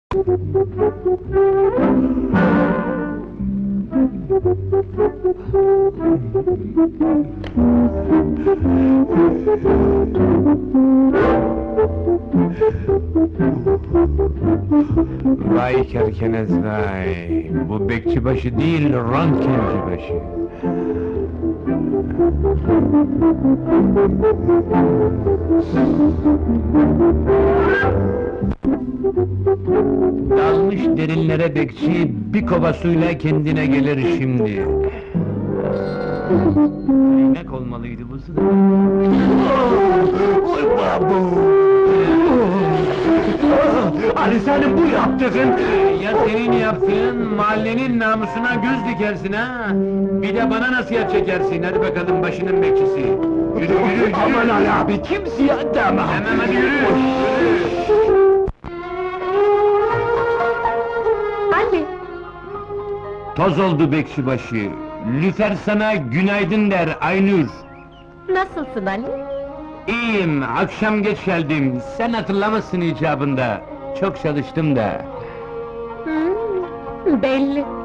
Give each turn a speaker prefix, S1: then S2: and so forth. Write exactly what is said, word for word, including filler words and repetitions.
S1: Vay kerkenez vay! Bu bekçibaşı değil, röntgencibaşı! Dalmış derinlere bekçi, bir kova suyla kendine gelir şimdi! İnek olmalıydı bu su da!
S2: Oy babu! Ali senin bu yaptığın...
S1: Ya senin yaptığın, mahallenin namusuna göz dikersin ha! Bir de bana nasihat çekersin, hadi bakalım başının bekçisi! Yürü yürü yürü!
S2: Aman Ali abi, kimseye deme!
S1: Hemen hadi yürü! Yürü!
S3: Ali,
S1: Toz oldu bekçibaşı! Lüfer sana günaydın der Aynur!
S3: nasılsın Ali?
S1: İyiyim, akşam geç geldim, sen hatırlamasın icabında! Çok çalıştım da!
S3: Hmm, belli.